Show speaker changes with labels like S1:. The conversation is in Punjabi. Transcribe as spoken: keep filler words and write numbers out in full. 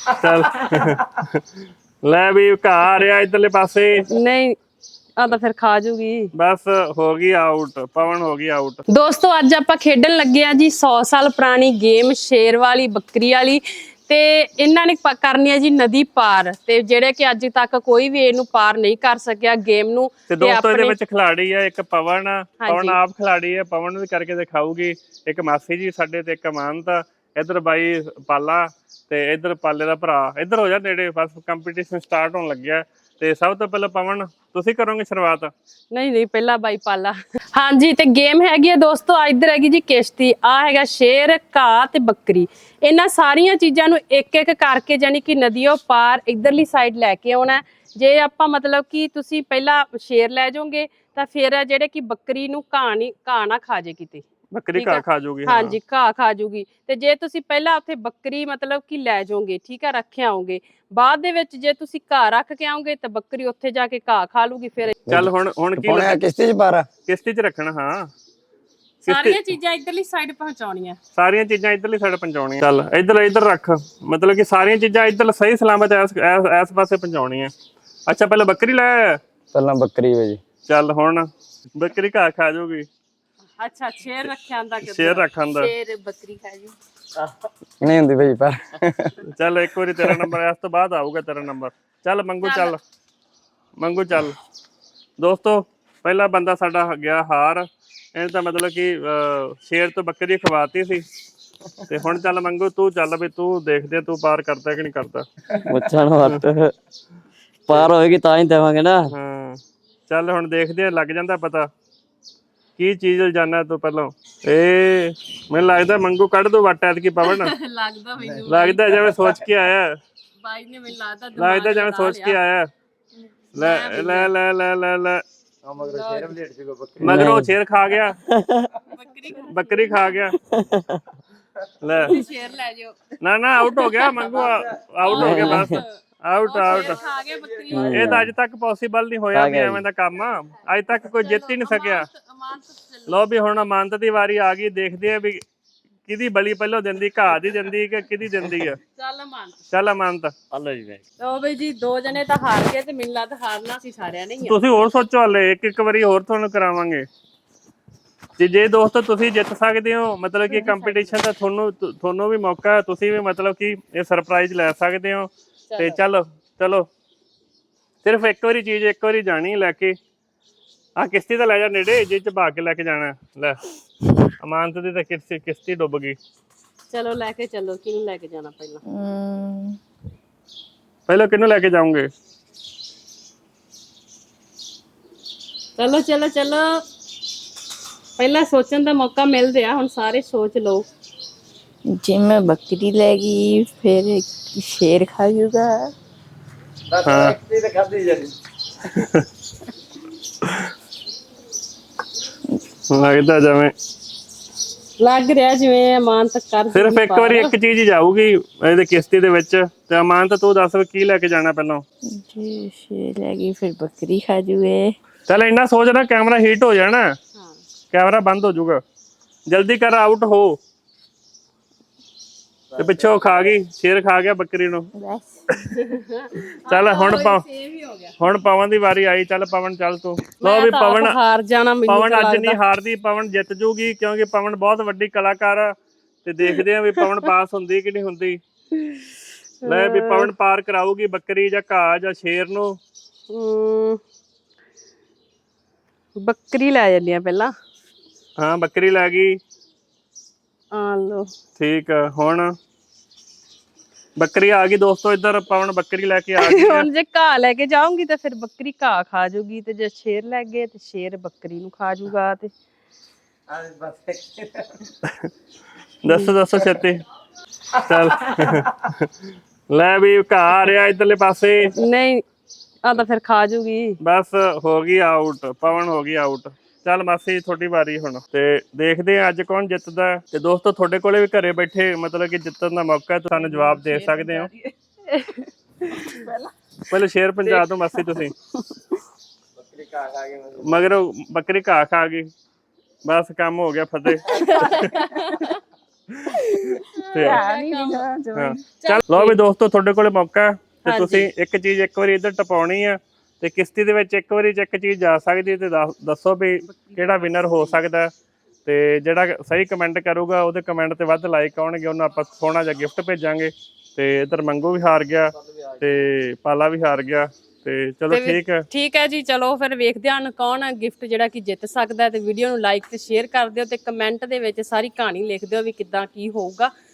S1: चल ले भी घा आ रहा इधरले पासे
S2: नहीं ਆ ਤਾਂ ਫਿਰ ਖਾ ਜੂਗੀ।
S1: बस हो गई आउट, पवन हो गई आउट।
S2: ਦੋਸਤੋ ਅੱਜ ਆਪਾਂ ਖੇਡਣ ਲੱਗੇ ਆ ਜੀ सौ ਸਾਲ ਪੁਰਾਣੀ ਗੇਮ ਸ਼ੇਰ ਵਾਲੀ ਬੱਕਰੀ ਵਾਲੀ ਤੇ ਇਹਨਾਂ ਨੇ ਪ- ਕਰਨੀ ਹੈ ਜੀ ਨਦੀ ਪਾਰ ਤੇ ਜਿਹੜੇ ਕਿ ਅੱਜ ਤੱਕ ਕੋਈ ਵੀ ਇਹਨੂੰ ਪਾਰ ਨਹੀਂ ਕਰ ਸਕਿਆ ਗੇਮ ਨੂੰ।
S1: ਤੇ ਦੋਸਤੋ ਇਹਦੇ ਵਿੱਚ ਖਿਲਾੜੀ ਆ ਇੱਕ ਪਵਨ ਆ, ਪਵਨ ਆਪ ਖਿਲਾੜੀ ਆ, ਪਵਨ ਨੂੰ ਵੀ ਕਰਕੇ ਦਿਖਾਊਗੀ। ਇੱਕ ਮਾਸੀ ਜੀ ਸਾਡੇ ਤੇ ਇੱਕ ਅਮਾਨਤ ਆ, ਇਧਰ ਬਾਈ ਪਾਲਾ ਤੇ ਇਧਰ ਪਾਲੇ ਦਾ ਭਰਾ। ਇਧਰ ਹੋ ਜਾ ਨੇੜੇ, ਬਸ ਕੰਪੀਟੀਸ਼ਨ ਸਟਾਰਟ ਹੋਣ ਲੱਗਿਆ। ਤੇ ਸਭ ਤੋਂ ਪਹਿਲਾਂ ਪਵਨ ਤੁਸੀਂ ਕਰੋਗੇ ਸ਼ੁਰੂਆਤ?
S2: ਨਹੀਂ ਨਹੀਂ ਪਹਿਲਾਂ ਬਾਈ ਪਾਲਾ। ਹਾਂਜੀ ਤੇ ਗੇਮ ਹੈਗੀ ਆ ਦੋਸਤੋ, ਇੱਧਰ ਹੈਗੀ ਜੀ ਕਿਸ਼ਤੀ, ਆ ਹੈਗਾ ਸ਼ੇਰ, ਘਾਹ ਤੇ ਬੱਕਰੀ। ਇਹਨਾਂ ਸਾਰੀਆਂ ਚੀਜ਼ਾਂ ਨੂੰ ਇੱਕ ਇੱਕ ਕਰਕੇ ਜਾਨੀ ਕਿ ਨਦੀਓ ਪਾਰ ਇਧਰਲੀ ਸਾਈਡ ਲੈ ਕੇ ਆਉਣਾ। ਜੇ ਆਪਾਂ ਮਤਲਬ ਕਿ ਤੁਸੀਂ ਪਹਿਲਾਂ ਸ਼ੇਰ ਲੈ ਜਾਓਗੇ ਤਾਂ ਫਿਰ ਜਿਹੜੇ ਕਿ ਬੱਕਰੀ ਨੂੰ ਘਾਹ ਨਹੀਂ ਘਾਹ ਨਾ ਖਾ ਜੇ ਕਿਤੇ,
S1: ਬੱਕਰੀ ਘਾਹ ਖਾ ਜੂਗੀ।
S2: ਹਾਂਜੀ ਘਾਹ ਖਾ ਜੂਗੀ। ਤੇ ਜੇ ਤੁਸੀਂ ਪਹਿਲਾਂ ਉੱਥੇ ਬੱਕਰੀ ਮਤਲਬ ਕਿ ਲੈ ਜਾਓਗੇ, ਠੀਕ ਆ, ਰੱਖੇ ਆਓਗੇ, ਬਾਅਦ ਦੇ ਵਿੱਚ ਜੇ ਤੁਸੀਂ ਘਾਹ ਰੱਖ ਕੇ ਆਓਗੇ ਤਾਂ ਬੱਕਰੀ ਉੱਥੇ ਜਾ ਕੇ ਘਾਹ ਖਾ ਲੂਗੀ। ਫਿਰ
S1: ਚੱਲ ਹੁਣ ਹੁਣ ਕੀ
S3: ਹੁਣ ਕਿਸ਼ਤੀ ਚ ਪਾਰਾ,
S1: ਕਿਸ਼ਤੀ 'ਚ ਰੱਖਣਾ। ਹਾਂ
S2: ਸਾਰੀਆਂ ਚੀਜ਼ਾਂ ਇਧਰਲੀ ਸਾਈਡ ਪਹੁੰਚਾਉਣੀਆਂ,
S1: ਸਾਰੀਆਂ ਚੀਜ਼ਾਂ ਇਧਰਲੀ ਸਾਈਡ ਪਹੁੰਚਾਉਣੀਆਂ। ਚੱਲ ਇੱਧਰ ਇੱਧਰ ਰੱਖ, ਮਤਲਬ ਕਿ ਸਾਰੀਆਂ ਚੀਜ਼ਾਂ ਇੱਧਰ ਸਹੀ ਸਲਾਮਤ ਇਸ ਇਸ ਪਾਸੇ ਪਹੁੰਚਾਉਣੀਆਂ। ਅੱਛਾ ਪਹਿਲਾਂ ਬੱਕਰੀ ਲੈ,
S3: ਪਹਿਲਾਂ ਬੱਕਰੀ ਵੇ ਜੀ।
S1: ਚੱਲ ਹੁਣ ਬੱਕਰੀ ਘਾਹ ਖਾ ਜਾਊਗੀ।
S2: ਅੱਛਾ ਸ਼ੇਰ ਰੱਖਿਆ ਹੁੰਦਾ ਕਿ
S1: ਸ਼ੇਰ ਰੱਖਣ ਦਾ
S2: ਸ਼ੇਰ ਬੱਕਰੀ ਖਾ ਜੂ
S3: ਨਹੀਂ ਹੁੰਦੀ ਭਾਈ ਪਰ
S1: ਚੱਲ ਇੱਕ ਵਾਰੀ ਤੇਰਾ ਨੰਬਰ, ਇਸ ਤੋਂ ਬਾਅਦ ਆਊਗਾ ਤੇਰਾ ਨੰਬਰ। ਚੱਲ ਮੰਗੂ, ਚੱਲ ਮੰਗੂ ਚੱਲ। ਦੋਸਤੋ ਪਹਿਲਾ ਬੰਦਾ ਸਾਡਾ ਗਿਆ ਹਾਰ, ਇਹਨੇ ਤਾਂ ਮਤਲਬ ਕਿ ਸ਼ੇਰ ਤੋਂ ਬੱਕਰੀ ਖਵਾਤੀ ਸੀ। ਤੇ ਹੁਣ ਚੱਲ ਮੰਗੂ ਤੂੰ ਚੱਲ, ਵੀ ਤੂੰ ਦੇਖਦੇ ਤੂੰ ਪਾਰ ਕਰਦਾ ਕਿ ਨਹੀਂ ਕਰਦਾ।
S4: ਬੱਚਣ ਵੱਤ ਪਾਰ ਹੋਏਗੀ ਤਾਂ ਹੀ ਦੇਵਾਂਗੇ ਨਾ।
S1: ਹਾਂ ਚੱਲ ਹੁਣ ਦੇਖਦੇ ਆ, ਲੱਗ ਜਾਂਦਾ ਪਤਾ ਕੀ ਚੀਜ਼ ਜਾਣਾ ਤੂੰ ਪਹਿਲਾਂ। ਏ ਮੈਨੂੰ ਲੱਗਦਾ ਮੰਗੂ ਕੱਢ ਦੋ ਵੱਟ ਐਤਕੀ ਪਵਨ।
S2: ਲੱਗਦਾ ਮੈਨੂੰ,
S1: ਲੱਗਦਾ ਜਿਵੇਂ ਸੋਚ ਕੇ ਆਇਆ,
S2: ਬਾਈ ਨੇ ਮੈਨੂੰ ਲੱਗਦਾ
S1: ਲੱਗਦਾ ਜਿਵੇਂ ਸੋਚ ਕੇ ਆਇਆ। ਲੈ ਲੈ ਲੈ ਲੈ ਲੈ ਲੈ ਮਗਰੋਂ ਸ਼ੇਰ ਖਾ ਗਿਆ, ਬੱਕਰੀ ਖਾ ਗਿਆ। ਲੈ
S2: ਸ਼ੇਰ ਲੈ ਜਾਓ।
S1: ਨਾ ਨਾ ਆਊਟ ਹੋ ਗਿਆ ਮੰਗੂ, ਆਊਟ ਹੋ ਗਿਆ ਬਸ, ਆਊਟ ਆਊਟ।
S2: ਖਾ ਗਿਆ ਬੱਕਰੀ।
S1: ਇਹ ਤਾਂ ਅੱਜ ਤੱਕ ਪੋਸੀਬਲ ਨਹੀਂ ਹੋਇਆ ਵੀ ਐਵੇਂ ਦਾ ਕੰਮ, ਅੱਜ ਤੱਕ ਕੋਈ ਜਿੱਤ ਹੀ ਨਹੀਂ ਸਕਿਆ। ਲੋ ਵੀ ਹੁਣ ਅਮਾਨਤ ਦੀ ਵਾਰੀ ਆ ਗਈ, ਦੇਖਦੇ ਆ ਵੀ ਕਿਹਦੀ ਬਲੀ ਪਹਿਲਾਂ ਦਿੰਦੀ, ਘਾਹ ਦੀ ਦਿੰਦੀ ਕਿ ਕਿਹਦੀ ਦਿੰਦੀ ਆ।
S2: ਚੱਲ ਅਮਾਨਤ,
S1: ਚੱਲ ਅਮਾਨਤ।
S4: ਹਲੋ ਜੀ
S2: ਲਓ ਬਈ ਜੀ ਦੋ ਜਣੇ ਤਾਂ ਹਾਰ ਗਏ ਤੇ ਮੈਨੂੰ ਲੱਗਦਾ ਹਾਰਨਾ ਸੀ ਸਾਰਿਆਂ ਨੇ ਹੀ ਆ।
S1: ਤੁਸੀਂ ਹੋਰ ਸੋਚੋ, ਹਲੇ ਇੱਕ ਇੱਕ ਵਾਰੀ ਹੋਰ ਤੁਹਾਨੂੰ ਕਰਾਵਾਂਗੇ। ਤੇ ਜੇ ਦੋਸਤੋ ਤੁਸੀਂ ਜਿੱਤ ਸਕਦੇ ਹੋ, ਮਤਲਬ ਕਿ ਕੰਪੀਟੀਸ਼ਨ ਦਾ ਤੁਹਾਨੂੰ ਤੁਹਾਨੂੰ ਵੀ ਮੌਕਾ, ਤੁਸੀਂ ਵੀ ਮਤਲਬ ਕਿ ਇਹ ਸਰਪ੍ਰਾਈਜ਼ ਲੈ ਸਕਦੇ ਹੋ। ਤੇ ਚਲੋ ਚਲੋ ਸਿਰਫ ਇੱਕ ਵਾਰੀ ਚੀਜ਼ ਇੱਕ ਵਾਰੀ ਜਾਣੀ ਲੈ ਕੇ। ਆ ਕਿਸ਼ਤੀ ਤਾਂ ਲੈ ਜਾ ਨੇੜੇ, ਜੇ ਚ ਭਾ ਕੇ ਲੈ ਕੇ ਜਾਣਾ। ਲੈ ਅਮਾਨਤ ਦੀ ਤਾਂ ਕਿਸ਼ਤੀ ਕਿਸ਼ਤੀ ਡੁੱਬ ਗਈ।
S2: ਚਲੋ ਲੈ ਕੇ ਚੱਲੋ, ਕਿਹਨੂੰ ਲੈ ਕੇ ਜਾਣਾ ਪਹਿਲਾਂ?
S1: ਪਹਿਲਾਂ ਕਿਹਨੂੰ ਲੈ ਕੇ ਜਾਓਗੇ?
S2: ਚਲੋ ਚਲੋ ਚਲੋ, ਪਹਿਲਾਂ ਸੋਚਣ ਦਾ ਮੌਕਾ ਮਿਲ ਰਿਹਾ, ਹੁਣ ਸਾਰੇ ਸੋਚ ਲਓ।
S5: ਜੇ ਮੈਂ ਬੱਕਰੀ ਲੈ ਗਈ ਫਿਰ ਸ਼ੇਰ ਖਾ ਜੂਗਾ।
S1: ਹਾਂ ਲੱਗਦਾ ਜਿਵੇਂ
S2: ਲੱਗ ਰਿਹਾ ਜਿਵੇਂ ਅਮਾਨਤ ਕਰ
S1: ਸਿਰਫ ਇੱਕ ਵਾਰੀ ਇੱਕ ਚੀਜ਼ ਹੀ ਜਾਊਗੀ ਇਹਦੇ ਕਿਸ਼ਤੀ ਦੇ ਵਿੱਚ। ਤੇ ਅਮਾਨਤ ਤੂੰ ਦੱਸ ਵੀ ਕੀ ਲੈ ਕੇ ਜਾਣਾ ਪਹਿਲਾਂ?
S5: ਜੇ ਸ਼ੇਰ ਲੈ ਗਈ ਫਿਰ ਬੱਕਰੀ ਖਾ ਜੂਏ।
S1: ਚੱਲ ਇੰਨਾ ਸੋਚ ਨਾ, ਕੈਮਰਾ ਹੀਟ ਹੋ ਜਾਣਾ, ਕੈਮਰਾ ਬੰਦ ਹੋ ਜਾਊਗਾ। ਜਲਦੀ ਕਰ, ਆਊਟ ਹੋ। ਤੇ ਪਿੱਛੋਂ ਖਾ ਗਈ, ਸ਼ੇਰ ਖਾ ਗਿਆ ਬੱਕਰੀ ਨੂੰ।
S5: ਬਸ
S1: ਚੱਲ ਹੁਣ ਪਾ
S2: ਸੇਮ ਹੀ ਹੋ ਗਿਆ।
S1: ਹੁਣ ਪਵਨ ਦੀ ਵਾਰੀ ਆਈ। ਚੱਲ ਪਵਨ ਚੱਲ ਤੂੰ। ਲੋ ਵੀ ਪਵਨ
S2: ਹਾਰ ਜਾਣਾ ਮੈਨੂੰ
S1: ਪਵਨ ਅੱਜ ਨਹੀਂ ਹਾਰਦੀ, ਪਵਨ ਜਿੱਤ ਜੂਗੀ ਕਿਉਂਕਿ ਪਵਨ ਬਹੁਤ ਵੱਡੀ ਕਲਾਕਾਰ ਆ। ਤੇ ਦੇਖਦੇ ਆ ਵੀ ਪਵਨ ਪਾਸ ਹੁੰਦੀ ਕਿ ਨਹੀਂ ਹੁੰਦੀ। ਲੈ ਵੀ ਪਵਨ ਪਾਰ ਕਰਾਊਗੀ ਬੱਕਰੀ ਜਾਂ ਘਾਹ ਜਾਂ ਸ਼ੇਰ ਨੂੰ।
S2: ਬੱਕਰੀ ਲੈ ਜਾਂਦੀ ਆ ਪਹਿਲਾਂ।
S1: ਹਾਂ ਬੱਕਰੀ ਲੈ ਗਈ।
S2: ਆ ਲੋ
S1: ਠੀਕ ਆ, ਹੁਣ ਬੱਕਰੀ ਆ ਗਈ ਦੋਸਤੋ। ਇੱਧਰ ਪਵਨ ਬੱਕਰੀ ਲੈ ਕੇ ਆ ਗਈ।
S2: ਹੁਣ ਜੇ ਘਾਹ ਲੈ ਕੇ ਜਾਊਂਗੀ ਤਾਂ ਫਿਰ ਬੱਕਰੀ ਘਾਹ ਖਾ ਜੂਗੀ, ਤੇ ਜੇ ਸ਼ੇਰ ਲੈ ਗਏ ਤੇ ਸ਼ੇਰ ਬੱਕਰੀ ਨੂੰ ਖਾ ਜੂਗਾ। ਤੇ
S1: ਦੱਸੋ ਦੱਸੋ ਛੇਤੀ। ਚੱਲ ਲੈ ਵੀ ਘਾਹ ਆ ਰਿਹਾ ਇੱਧਰਲੇ ਪਾਸੇ।
S2: ਨਹੀਂ ਆ ਤਾਂ ਫਿਰ ਖਾ ਜੂਗੀ।
S1: ਬਸ ਹੋ ਗਈ ਆਊਟ, ਪਵਨ ਹੋ ਗਈ ਆਊਟ। ਚੱਲ ਮਾਸੀ ਤੁਹਾਡੀ ਵਾਰੀ ਹੁਣ। ਤੇ ਦੇਖਦੇ ਆ ਅੱਜ ਕੌਣ ਜਿੱਤਦਾ। ਤੇ ਦੋਸਤੋ ਤੁਹਾਡੇ ਕੋਲੇ ਵੀ ਘਰੇ ਬੈਠੇ ਮਤਲਬ ਕਿ ਜਿੱਤਣ ਦਾ ਮੌਕਾ, ਤੁਹਾਨੂੰ ਜਵਾਬ ਦੇ ਸਕਦੇ ਹੋ। ਪਹਿਲੇ ਸ਼ੇਰ ਪੰਜਾਬ ਤੋਂ ਮਾਸੀ ਤੁਸੀਂ। ਮਗਰ ਬੱਕਰੀ ਘਾਹ ਖਾ ਗਈ, ਬਸ ਕੰਮ ਹੋ ਗਿਆ ਫਤਿਹ। ਤੇ ਹਾਂ। ਚੱਲ ਲਓ ਵੀ ਦੋਸਤੋ, ਤੁਹਾਡੇ ਕੋਲੇ ਮੌਕਾ ਹੈ ਤੇ ਤੁਸੀਂ ਇੱਕ ਚੀਜ਼ ਇੱਕ ਵਾਰੀ ਇੱਧਰ ਟਪਾਉਣੀ ਆ ਤੇ ਕਿਸ਼ਤੀ ਦੇ ਵਿੱਚ ਇੱਕ ਵਾਰੀ ਚ ਇੱਕ ਚੀਜ਼ ਜਾ ਸਕਦੀ ਹੈ ਤੇ ਦੱਸ- ਦੱਸੋ ਵੀ ਕਿਹੜਾ ਵਿਨਰ ਹੋ ਸਕਦਾ ਹੈ। ਤੇ ਜਿਹੜਾ ਸਹੀ ਕਮੈਂਟ ਕਰੂਗਾ ਉਹਦੇ ਕਮੈਂਟ ਤੇ ਵੱਧ ਲਾਈਕ ਆਉਣਗੇ, ਉਹਨੂੰ ਆਪਾਂ ਸੋਹਣਾ ਜਿਹਾ ਗਿਫਟ ਭੇਜਾਂਗੇ। ਤੇ ਇੱਧਰ ਮੰਗੂ ਵੀ ਹਾਰ ਗਿਆ ਤੇ ਪਾਲਾ ਵੀ ਹਾਰ ਗਿਆ ਤੇ ਚਲੋ ਠੀਕ ਹੈ।
S2: ਠੀਕ ਹੈ ਜੀ, ਚਲੋ ਫਿਰ ਵੇਖਦੇ ਹਾਂ ਕੌਣ ਗਿਫਟ ਜਿਹੜਾ ਕਿ ਜਿੱਤ ਸਕਦਾ ਹੈ। ਤੇ ਵੀਡੀਓ ਨੂੰ ਲਾਈਕ ਤੇ ਸ਼ੇਅਰ ਕਰ ਦਿਓ ਤੇ ਕਮੈਂਟ ਦੇ ਵਿੱਚ ਸਾਰੀ ਕਹਾਣੀ ਲਿਖ ਦਿਓ ਵੀ ਕਿੱਦਾਂ ਕੀ ਹੋਊਗਾ।